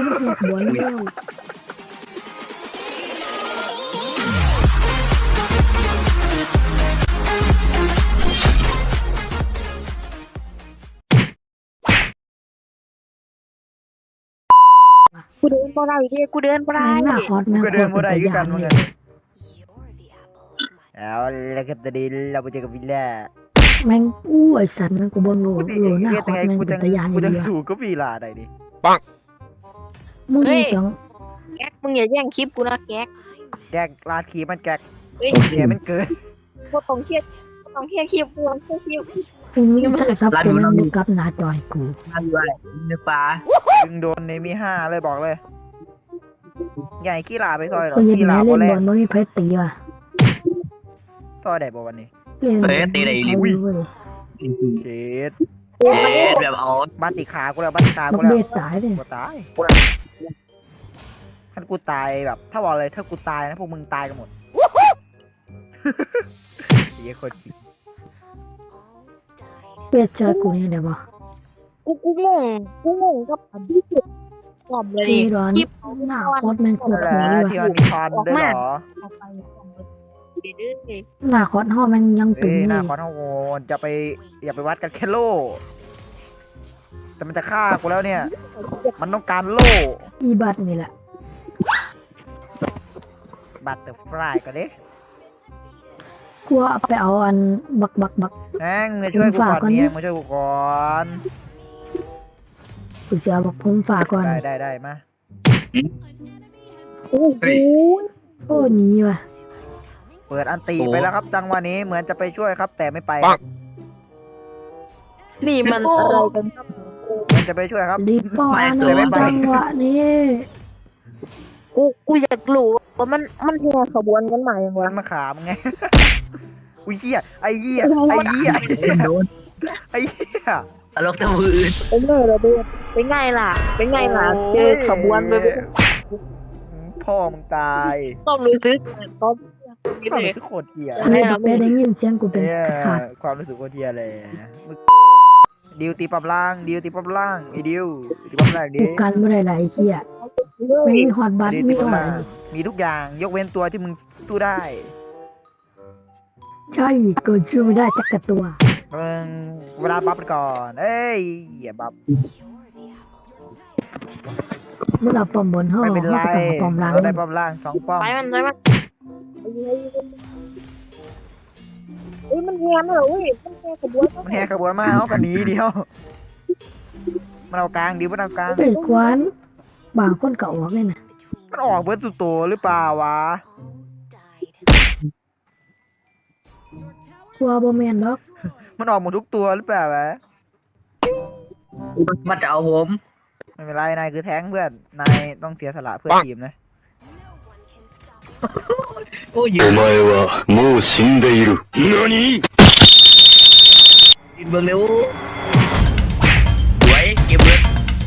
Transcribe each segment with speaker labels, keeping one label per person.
Speaker 1: แหกบอลแล้ว
Speaker 2: กูเดินบ่ได้ดิกูเดินบ่ได้
Speaker 1: หน้าคอสแม่ง
Speaker 3: ก็
Speaker 1: โค
Speaker 3: เดิ
Speaker 1: ต
Speaker 3: น
Speaker 1: ร
Speaker 3: มาได้
Speaker 1: เป็น
Speaker 3: คือ
Speaker 1: ตา
Speaker 3: กั
Speaker 1: ยาน
Speaker 3: เหมือน
Speaker 1: เล
Speaker 3: กัน
Speaker 1: ย
Speaker 3: เอาแล้วก็จะดีเราไปเจอกับวิลล่า
Speaker 1: แม่งอู้ไอสัตว์แม่งกูบ่โง่โหหน้าคอสแม่ง
Speaker 3: กู
Speaker 1: เป็
Speaker 3: จะ
Speaker 1: นตายาน
Speaker 3: กู
Speaker 1: เล
Speaker 3: จะ
Speaker 1: ย
Speaker 3: สู้กับวิลล่าได้ดิ
Speaker 1: มึงนี่จัง
Speaker 2: แก๊กมึงอย่าแย่งคลิปกูนะแก๊ก
Speaker 3: แกกลาดขีมันแกก
Speaker 2: เฮ้ย
Speaker 3: เสียมันเกิน
Speaker 2: บ่ต้องเครียดบ่ต้องเครียดคลิปกูต้องเครียดคลิป
Speaker 1: มึงมีโทรศัพท์กูแม่งดูกับหน้าจอยกู
Speaker 4: มาด้วยในป่า
Speaker 3: ดึงโดนในมี5เลยบอกเลยใหญ่ขี้ลาไปซอยหรอ
Speaker 1: กูยัน
Speaker 3: ขี้
Speaker 1: แม่
Speaker 3: ลา
Speaker 1: เล่
Speaker 3: บ่
Speaker 1: น
Speaker 3: แร
Speaker 1: บอง ลบ่มีไผตีว่ะ
Speaker 3: ซอยได้บ่วันนี้
Speaker 1: เล่นบอล
Speaker 4: ตีได้อีหลี
Speaker 3: เช็ด
Speaker 4: แบบเอา
Speaker 3: บ้านติขากูแล้วบ้านติขา
Speaker 1: บั
Speaker 3: กู
Speaker 1: ก
Speaker 3: แล้ว
Speaker 1: เบ็ดตายเลย
Speaker 3: กูตายถ้ากูตายแบบ ถ้าบอกเลยถ้ากูตายนะพวกมึงตายกันหมดเฮียโคตรขี้
Speaker 1: เบ็ดช่วยกูเนี่ยเดี๋ยวบ่
Speaker 2: กูงงกับอันที่สุดกล่อมเลย
Speaker 1: ที่
Speaker 2: ดิ
Speaker 1: ร้อน
Speaker 2: คลิป
Speaker 1: หน้าคอสแม่งโคตร
Speaker 3: นั่นแห
Speaker 1: โห
Speaker 3: ละ
Speaker 1: ดเลย
Speaker 3: ที่
Speaker 1: ว่ะ
Speaker 3: มันมีทอนด้วยเหรอ
Speaker 2: เอาไปกล่อมเลยเด้อ
Speaker 1: หน้าคอสห่อแม่งยังตึ
Speaker 3: เอ้
Speaker 1: ง
Speaker 3: ยห
Speaker 1: เล
Speaker 3: น้าย คอนโหดอย่าไปวัดกันแค่โล่แต่มันจะฆ่ากูแล้วเนี่ย มันต้องการโล่
Speaker 1: อีบัตนี่แหละ
Speaker 3: บัตเตอร์ฟลายก็ดิ
Speaker 1: กูเอาไปเอาอันบัก
Speaker 3: แม่งมาช่วยกูก่อนเนี่ยมาช่วยกูก่อน
Speaker 1: กูเสียบักพงฝากก่อน
Speaker 3: ได้มา
Speaker 2: โอ้โห
Speaker 1: โอ้หนีว่ะ
Speaker 3: เปิดอันตีไปแล้วครับจังหวะนี้เหมือนจะไปช่วยครับ แต่ไม่ไป
Speaker 2: นี่มันอะไรกันครับ
Speaker 3: เหมันจะไปช่วยครับ
Speaker 1: รีบป้อนจังหวะนี้
Speaker 2: กูอยากรู้ว่ามันแห่ขบวนกันมาอย่างวะ
Speaker 3: มันมาขามึงไง อุ้ยเหี้ยไอ้เหี้ยไอ้เหี้ย
Speaker 4: โดน
Speaker 3: ไอ้เหี้ย
Speaker 4: ตลกแต่มืออื่น
Speaker 2: เป็นไงล่ะเด้อเป็นไงล่ะเจอขบวนไป
Speaker 3: พ่อมึงตาย
Speaker 2: ต้องรู้สึกต้อง
Speaker 3: ความรู้สึกโคตรเหี้ย
Speaker 1: เลยบักได้ยินเสียงกูเป็น
Speaker 3: เนี่ย
Speaker 1: ขาด
Speaker 3: ความรู้สึกโคตรเหี้ยเลยดิวตีปั๊บล่างไอ้ดิวตีปั๊บล่างดิ
Speaker 1: กูกันไม่ได้หลายเหี้ยไม่มีฮอตบัต
Speaker 3: ดิว
Speaker 1: มี
Speaker 3: ตี
Speaker 1: ฮ
Speaker 3: ปั๊
Speaker 1: อบ ต
Speaker 3: ล่างมีทุกอย่างยกเว้นตัวที่มึงสู้ได้
Speaker 1: ใช่กูช่วยไม่ได้จักกระตัว
Speaker 3: มึงเวลาบัฟมันก่อนเอ้ยอย่าบัฟ
Speaker 1: เมื่อเราปอมบนห้อง
Speaker 3: ไม่เป็นไร
Speaker 1: เขาก็ต้องปอมล่าง
Speaker 3: เราได้ป้อมล่าง2ป้อม
Speaker 2: ไปมันเฮ้ยมันแห่มาเหรอเว้ยมันแห่ขบวน
Speaker 3: มันแหกขบวนมาเอากันหนีเดียวมันเอากลางดิวมันเอากลาง
Speaker 1: เอ้ยควันบางคนก็ออกเลยนะ
Speaker 3: มันออกเบิร์ดสุดโตหรือเปล่าวะ
Speaker 1: กลัวบ่แม่นดอก
Speaker 3: มันออกหมดทุกตัวหรือเปล่าวะ
Speaker 4: มาจะเอาผม
Speaker 3: ไม่เป็นไรนายคือแท้งเพื่อนนายต้องเสียสละเพื่อทีมนะ
Speaker 4: โอ้ยยื
Speaker 5: お
Speaker 4: น
Speaker 5: 前はもう死んでいる。何？
Speaker 4: ยืนเบื้องเร็วสวยเก็บเบิร์ด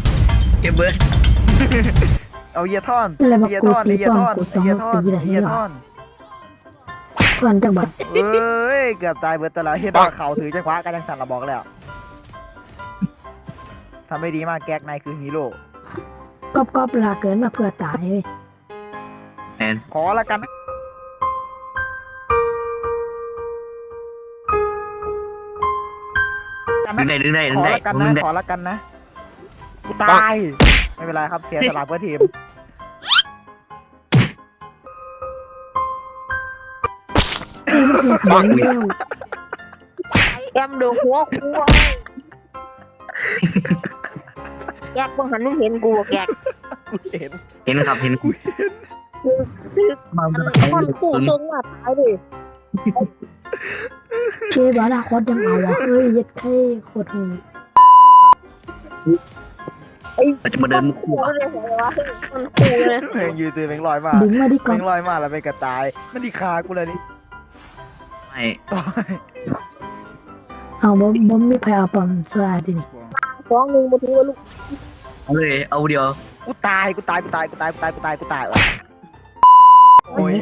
Speaker 3: เอาเยียท่อน
Speaker 1: อะไรมา
Speaker 3: เยีย
Speaker 1: กู
Speaker 3: ท่อน
Speaker 1: ตี
Speaker 3: เยีย
Speaker 1: ป้อม
Speaker 3: ท่อน
Speaker 1: กูต้อง
Speaker 3: เยียท่อน
Speaker 1: ตีอะไรให้
Speaker 3: เยีย
Speaker 1: หรอ
Speaker 3: ท่อน
Speaker 1: ควันจังบัด
Speaker 3: เอ้ยเกือบตายเบิร์ดแต่ละเฮียท่อนเขาถือจังหวะกันยังสั่นระบอกแล้วทำไม่ดีมากแก๊กนายคือฮีโร่
Speaker 1: ก๊อบลาเกินมาเพื่อตายเว้ย
Speaker 4: แอน
Speaker 3: ขอละกันนะ
Speaker 4: ดึงได้
Speaker 3: ขอละกัน
Speaker 4: ดึ
Speaker 3: นะ
Speaker 4: งได้
Speaker 3: ขอละกันนะกูตายไม่เป็นไรครับเสียสละเพื่อทีม
Speaker 1: เอ้ยมันเห็นบอลเร็ว
Speaker 2: แอมโดนหัวกูแกกบังหันมึงเห็นกูแกก
Speaker 3: กูเห็น
Speaker 4: เห็นครับเห็นมา
Speaker 2: คนคู่ทรงว่าตายดิ
Speaker 1: เชฟบาราคอสยังเอาวะเฮ้ยยัดเท่โคตรโหด
Speaker 4: เราจะมาเดิน
Speaker 2: คู่เลยเหรอวะมันคู่เลย
Speaker 3: เพลงยืนตื่นเพลงลอยมา
Speaker 1: ดึงมาดิ
Speaker 3: เพ
Speaker 1: ก๊
Speaker 3: ล
Speaker 1: อบ
Speaker 3: งลอยมาแล้วไปกระตายมันดีคากูเลยนี่
Speaker 4: ไม่
Speaker 3: ต่อย
Speaker 1: เอาบ่มีไผเอาปอมสวาดินี่
Speaker 2: ฟ้องหนึ่งมาถือว่าลูก
Speaker 4: เอาเลยเอาเดียว
Speaker 3: กูตายว่ะโอ้ย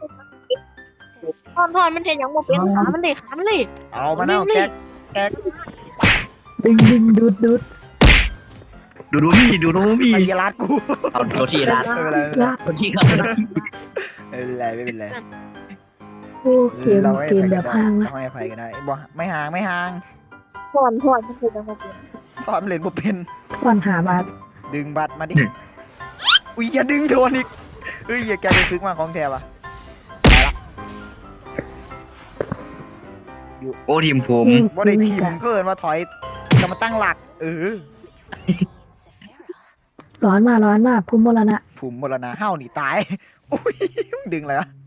Speaker 2: ทอนมันเห็นอย่างว่าเป็นขามันเลยขามันเลย
Speaker 3: เอามาแล้วแก๊ก
Speaker 1: ดึงดูด
Speaker 4: ดูนี่ดูนี่
Speaker 3: ไอ้เหี้ยรัดกู
Speaker 4: เอาตัวที่ร้าน
Speaker 3: ไม่เป็นไร
Speaker 1: ลาก
Speaker 4: ตัวที่ครับ
Speaker 3: ไม่เป็นไร
Speaker 1: โอ้เกมแบบห่างนะ
Speaker 3: ให้อภัยกันได้บ่ไม่ห่าง
Speaker 2: ถอนมันคือจังหวะเปลี่ยน
Speaker 3: ตอนเล่นบ่เป็น
Speaker 1: ก่อนหาบาท
Speaker 3: ดึงบัตรมาดิอุ้ยอย่าดึงโดนอีกเฮ้ยอย่าแกจะซึกมาของแท้ปะ
Speaker 4: โอ้ทีมผม
Speaker 3: บ่ได้ทีมเกินมาถอยจะมาตั้งหลัก
Speaker 1: ร้อนมากพุ่มมรณะ
Speaker 3: ผมมรณะเฮ้าหนีตายอุ้ยดึงอะไรวะ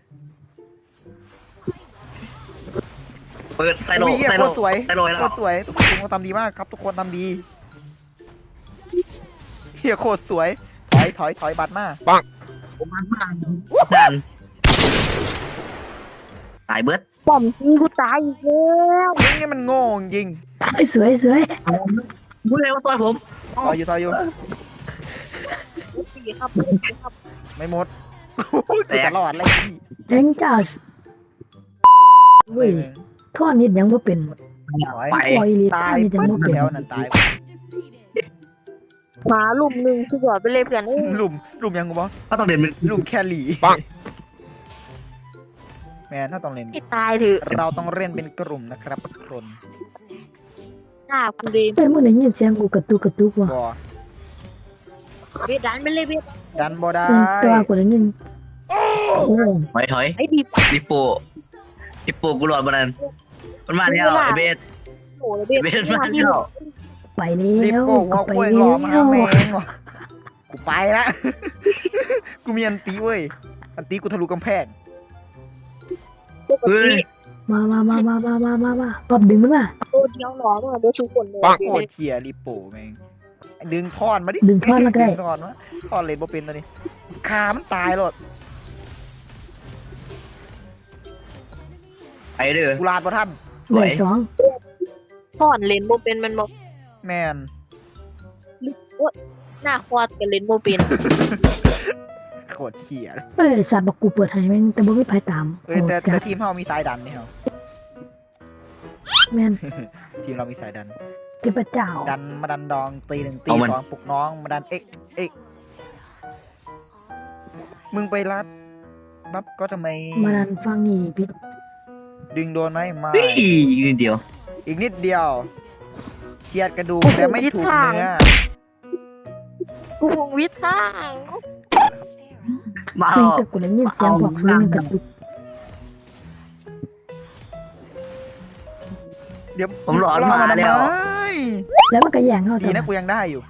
Speaker 4: เปิดไซโล
Speaker 3: อุ้ยเหี้ย
Speaker 4: ไซ
Speaker 3: โค
Speaker 4: โล
Speaker 3: ตรสวย
Speaker 4: ไซโลแล้ว
Speaker 3: โคตรสวยทุกคนทำดีมากครับทุกคนทำดีเฮียโคตรสวยถอยบัตรมา
Speaker 4: ผมมันนั่นตายเบิร์ด
Speaker 2: ป้อมยิงกูตายอีกแล้ว
Speaker 3: มึงนี่มันโง่จริง
Speaker 1: สวย
Speaker 4: พูดเลยว่าตัวผม
Speaker 3: ต่ออยู่
Speaker 2: สี่ครับ
Speaker 3: ไม่หมดกูตลอดเลยพี่
Speaker 1: เจ๋งจ้าเว้ยท่อนิดยังบ่เป็น
Speaker 4: ไป
Speaker 1: ปล่อยลี
Speaker 3: ตา
Speaker 1: ท่อย นิดยังบ่เป็น
Speaker 3: แล้วนั่นตาย
Speaker 2: หมาลุ่มหนึ่งคือยอดไปเลยเพื่อน
Speaker 3: หลุมยังกูบอก
Speaker 4: ก็ต้องเดินเป็น
Speaker 3: หลุมแคลรี่แมนถ้าต้องเล่น
Speaker 2: ให้ตายเถอะ
Speaker 3: เราต้องเล่นเป็นกลุ่มนะครับทุกคน
Speaker 2: หน้ากูเลย
Speaker 1: เอ้ยมึงได้ยินเสียงกูกระตุกว่ะ
Speaker 3: บอ
Speaker 2: เบียดดันไปเลยเบียด
Speaker 3: ดันบอได้
Speaker 1: ตัวกูได้ยินโอ้
Speaker 4: ถอย
Speaker 2: ไอ้ดิบ
Speaker 4: ลิปโปกูหลอดมันนั้นมันมาแล้วไอเบส
Speaker 2: โอ้ยเบียด
Speaker 4: เบสมาแล้ว
Speaker 1: ไปแล้
Speaker 3: รีบ
Speaker 1: ว
Speaker 3: โป่งหัว
Speaker 1: ไป
Speaker 3: กล้วย
Speaker 1: แล้
Speaker 3: หล่อ
Speaker 1: ว
Speaker 3: มาแมงว่ะกูไปละ กูมีอันตีเว้ยอันตีกูทะลุกำแพง
Speaker 2: ปก
Speaker 4: เฮ้ย
Speaker 2: ติ
Speaker 1: มาปอบดึงมันมา
Speaker 2: ตัวเดียวหนอมาเดี๋ยวชูคนเลย
Speaker 3: โคตรเทียรีบโป่แมงดึงท่อนมาดิ
Speaker 1: ดึงท่อนมาได้
Speaker 3: ดึงท่อนมาท่อนเลยบ่เป็นตัวนี้ขามันตายหรอก
Speaker 4: ไปเด้อ
Speaker 3: กูลาดบ่ท่าน
Speaker 4: สวย
Speaker 1: สอง
Speaker 2: ถอนเลนโมเป็นมันบอก
Speaker 3: แมน
Speaker 2: หน้าควอดกับเลนโมเป็น
Speaker 3: โคตรเทีย
Speaker 1: เอ้ยสัตว์บอกกูเปิดให้แม่งแต่บ่มีไผตาม
Speaker 3: เอ้ยแต่
Speaker 1: จัด
Speaker 3: ทีมเรามีสายดันนี่เหรอ
Speaker 1: แม่น
Speaker 3: ทีมเรามีสายดัน
Speaker 1: เทพเจ้า
Speaker 3: ดันมาดันดองตีหนึ่งตีสองปลุกน้องมาดันเอ็กมึงไปรัดบับก็ทำไม
Speaker 1: มาดันฟังนี่พี่
Speaker 3: ดึงโดนไหมไม่
Speaker 4: เฮ้ยนิดเดียว
Speaker 3: อีกนิดเดียวเฉียดกระดูกแต่ไม่ถูกเนื้อ
Speaker 2: กูคงวิทย์ข้าง
Speaker 4: มา
Speaker 1: แม่งแต่กูได้ยินเสียงบอกซื้อมันกระตุก
Speaker 3: เดี๋ยว
Speaker 4: ผมหลอนมาแล้ว
Speaker 3: ทำไม
Speaker 1: แล้วมันก็แย่งเข้า
Speaker 3: ดี
Speaker 1: ทำไม
Speaker 3: นะกูยังได้อยู่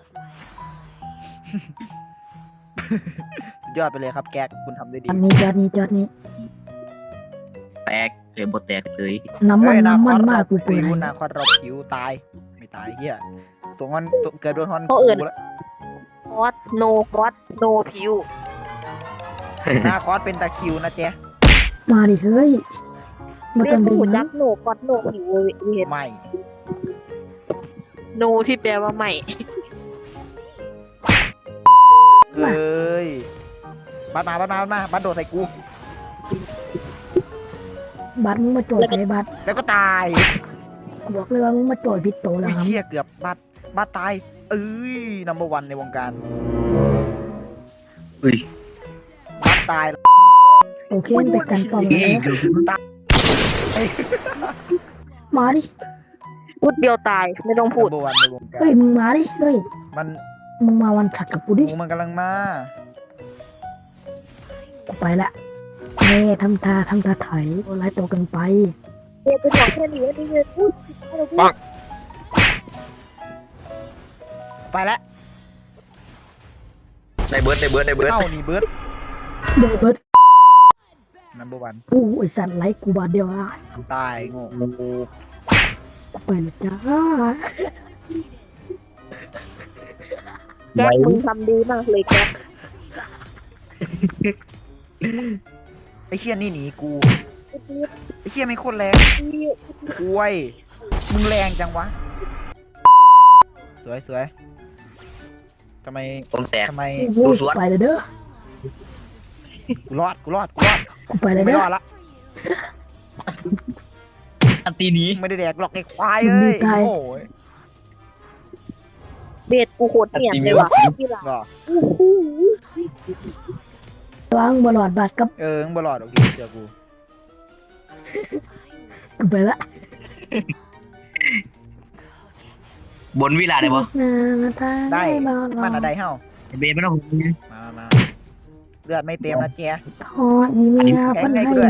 Speaker 3: สุดยอดไปเลยครับแก๊กคุณทำได้ดี
Speaker 1: จอดนี้
Speaker 4: แตกเลยบทแตกเลย
Speaker 1: น้ำมัน
Speaker 3: เฮ้ย
Speaker 1: มากกู
Speaker 3: ปิ
Speaker 1: เปิด
Speaker 3: ว
Speaker 1: ให้
Speaker 3: นาคอดเราผิวตายไม่ตายเฮียส่งฮอนเกิดโดนฮอน
Speaker 2: เขาเอิญ
Speaker 3: กูแล้ว
Speaker 2: คอสโนคอสโนพิว
Speaker 3: นาคอดเป็นตะคริวนะเจ๊
Speaker 1: มาดิเฮ้ยมา
Speaker 2: เรีย
Speaker 1: ต้
Speaker 2: ก
Speaker 1: องดึง
Speaker 2: ผู้จั
Speaker 1: นะ
Speaker 2: กโนคอสโนพิวเวียน
Speaker 3: ไม่
Speaker 2: โนที่แปลว่าไม่
Speaker 3: เอ้ยบัดมาบัดโดดใส่กู
Speaker 1: บัตรมึงมาโจยไอ้บัตร
Speaker 3: แล้วก็ตาย
Speaker 1: กูบอกเลยว่ามึงมาโจยผิดโตวแล้
Speaker 3: อุ้
Speaker 1: วย ครับ
Speaker 3: เฮียเกือบบัดตายเอ้ยนัมเบอร์วันในวงการ
Speaker 4: อุ้ย
Speaker 3: บัดตาย
Speaker 1: โอเคไปกันต่อ
Speaker 4: อี
Speaker 1: แล้วมาดิ
Speaker 2: พูดเดียวตายไม่ต้องพูด
Speaker 3: นัมเบอร์วันในวงการ
Speaker 1: เฮ้ยมึงมาดิเฮ้ย
Speaker 3: มัน
Speaker 1: มึงมาวันถัดกับกูดิ
Speaker 3: งูมันกำลังมา
Speaker 1: กูไปละแม่ทำท่าถอยไล่ตัวกันไป
Speaker 2: เดี๋ยวไปบอกแค่นี้ว่านี่เลยพูดอะไรพูด
Speaker 3: ไปแล้ว
Speaker 4: ได้เบิร์ด
Speaker 3: เข้านี่เบิร์ด
Speaker 1: เดี๋ยวเบิด
Speaker 3: นัมเบอร์วัน
Speaker 1: กูไอสัตว์ไล่กูบาดเดียวอ่ะ
Speaker 3: ตายโง่
Speaker 1: ไปเลยจ้า
Speaker 2: แจ็คมึงทำดีมากเลยแจ็ค
Speaker 3: ไอ้เชี่ยนี่หนีกูไอ้เชี่ยไม่โคตรแรงกล้วยมึงแรงจังวะสวยทำไม
Speaker 4: ผมแตก
Speaker 3: ทำไม
Speaker 1: กูไปเลยเด้อ
Speaker 3: กูรอด
Speaker 1: กูไปเลย
Speaker 3: ไม่
Speaker 1: เด้
Speaker 3: ร
Speaker 1: อ
Speaker 3: อดละ
Speaker 4: อันตีนี้
Speaker 3: ไม่ได้แดกหรอกไอ้ควายเอ้ยโอ้ย
Speaker 2: เบสกูโคตรเนียนเลยว่ะที่หลัง
Speaker 3: ก็
Speaker 2: อู้หู
Speaker 1: วางบอลอดบาดกับ
Speaker 3: มึงบลอดโอเคเจอกู
Speaker 1: กูไปละ
Speaker 4: บนวิลาได้ปะ
Speaker 3: ได้
Speaker 1: บอล
Speaker 3: มันอะไรเฮ้า
Speaker 4: เบสไม่ต้อง
Speaker 3: มาเลือดไม่เต็มนะเจ๊
Speaker 1: ทออีเมียเพันให้มา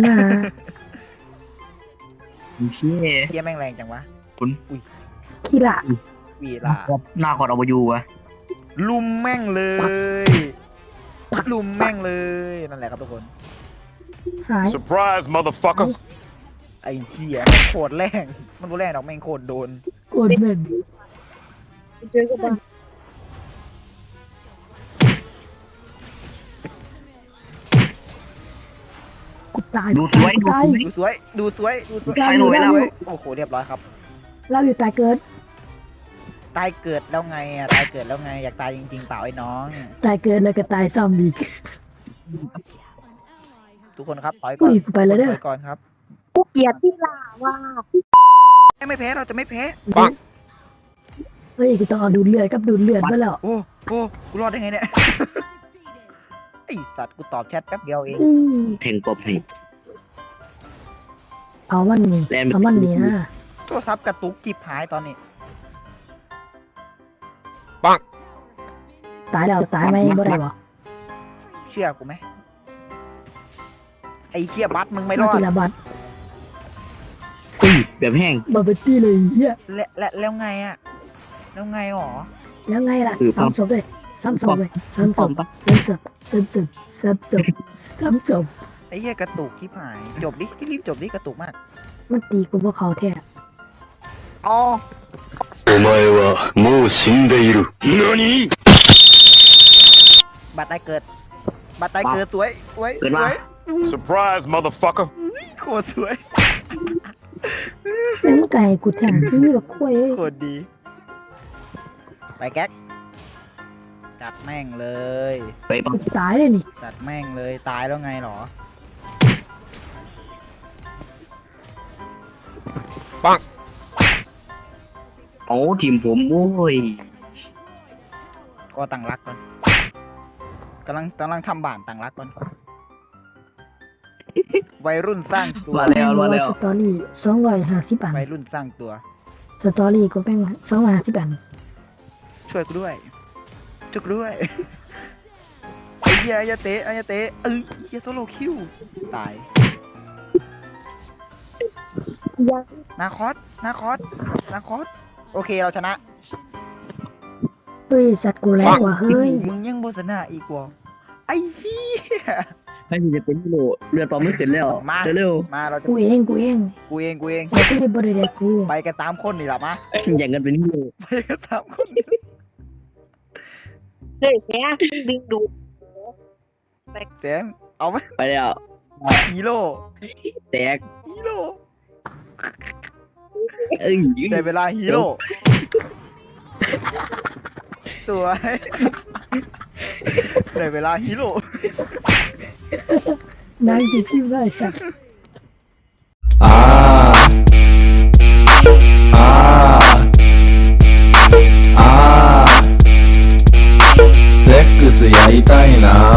Speaker 4: เชี่ย
Speaker 3: เจ๊แม่งแรงจังวะ
Speaker 1: ขี้ละ
Speaker 3: วีลา
Speaker 4: หน้าคอร์ดเอาไปอยู่วะ
Speaker 3: ลุมแม่งเลยลุมแม่งเลยนั่นแหละครับทุกคน
Speaker 1: หาย
Speaker 5: Surprise, motherfucker.
Speaker 3: ไอ้เหี้ยโคตรแรงมันบ่แรงดอกแม่งโคตรโดน
Speaker 1: โกนเหม็น
Speaker 2: เจอกับมัน
Speaker 1: กูตาย
Speaker 4: ดูสวย
Speaker 1: กูตาย
Speaker 3: ดูสวย
Speaker 1: ใช่หนูไว้แล้ว
Speaker 3: โอ้โหเรียบร้อยครับ
Speaker 1: เราอยู่ตายเกิด
Speaker 3: ตายเกิดแล้วไงอ่ะตายเกิดแล้วไงอยากตายจริงๆเปล่าไอ้น้อง
Speaker 1: ตายเกิดแล้วก็ตายซ้ำอีก
Speaker 3: ทุกคนครับถอยก่อน
Speaker 1: อุ้ยกูไปแล้วเด้อ
Speaker 3: ถอยก่อนครับ
Speaker 2: กูเกลียดที่ลาว่า
Speaker 3: ไม่แพ้เราจะไม่แพ้
Speaker 1: เฮ้ยกูต้องเอาดูดเลือดกับดูดเลือดมาแล้ว
Speaker 3: โอ้กูรอดได้ไงเนี่ย ไอสัตว์กูตอบแชทแป๊บเดียวเอง
Speaker 1: อื้อ
Speaker 4: เพลงกบสิ
Speaker 1: เอามันนี่
Speaker 4: แลนด์
Speaker 1: เอามันนี่นะ
Speaker 3: โทรศัพท์กระตุกจิบหายตอนนี้
Speaker 1: ตายแล้วตายไหมบ่ได้บ่
Speaker 3: เชื่อกูไหมไอเชี่ยบัสมึงไม่ร
Speaker 1: มา
Speaker 3: อด
Speaker 1: ทีละบัตร
Speaker 4: แบบแห้ง
Speaker 1: บ่เป็นตี้เลยเฮีย
Speaker 3: แล้วไงอ่ะแล้วไงหรอ
Speaker 1: แล้วไงล่ะ
Speaker 4: คือปั๊ม
Speaker 1: ซ้ำศพเลยซ้ำศพเลยซ้ำศ
Speaker 4: ปอ
Speaker 1: พ
Speaker 4: มปะ
Speaker 1: ซ้ำศพซ้ำศพซ้ำศพซ้ำศพ
Speaker 3: ไอเชี่ยกระตุกจิบหายจบดิรีบจบดิกระตุกมาก
Speaker 1: มันตีกูบ่เข้าแท้
Speaker 3: อ๋อ
Speaker 5: お前はもう死んでいる。何？
Speaker 3: บัตรตายเกิดบัตรตายเกิดสวยสวย
Speaker 4: เกิด
Speaker 3: ส
Speaker 4: มา
Speaker 3: วย
Speaker 5: Surprise, motherfucker.
Speaker 3: โคตรสวย
Speaker 1: ซึ่งไก่กูแทงที่แบบคุย
Speaker 3: โคตรดีไปแก๊กจัดแม่งเลย
Speaker 4: ไปปะ
Speaker 1: กูตายเลยนี่
Speaker 3: จัดแม่งเลยตายแล้วไงหรอ
Speaker 4: โอ้ทีมผมโอ้ย
Speaker 3: ก็ตั้งรักก่อนกำลังทำบ้านตั้งรักก่อนวัยรุ่นสร้างตัว
Speaker 4: มาแล้วมาแล้ว
Speaker 1: สตอรี่250อัน
Speaker 3: วัยรุ่นสร้างตัว
Speaker 1: สตอรี่กูเป็น250อัน
Speaker 3: ช่วยกูด้วยช่วยกูด้วยไอ้เหี้ยอย่าเตะอย่าเตะเหี้ยโซโลคิวตาย
Speaker 2: ยัง
Speaker 3: นาคอสโอเคเราชนะ
Speaker 1: เฮ้ยสัตว์กูแรงว่ะเฮ้ย
Speaker 3: มึงยังโบชนะอีกว่ะไอ้เหี้ย
Speaker 4: ให้พี่จะเป็นฮีโร่เลือดปอมไม่ขึ้นแล้ว
Speaker 3: มา
Speaker 4: เร็ว
Speaker 3: มาเราจะ
Speaker 1: กูเอง
Speaker 3: กูเอง
Speaker 1: กูได้บริเดกู
Speaker 3: ไปกันตามคนนี่แหละมา
Speaker 4: ๆอย่างกันเป็นฮีโร่
Speaker 3: ไปกันตามคน
Speaker 2: เฮ้ยแซ่ดึงดูด
Speaker 3: เสียงเอาไหม
Speaker 4: ไปแล้ว
Speaker 3: ฮีโร่
Speaker 4: แตก
Speaker 3: ฮีโร่
Speaker 4: เอ้ย
Speaker 3: ได้เวลาฮีโร่สวย ได้เวลาฮีโร่
Speaker 1: นายสิพิมพ์ได้สัตว์
Speaker 6: セックスやりたいな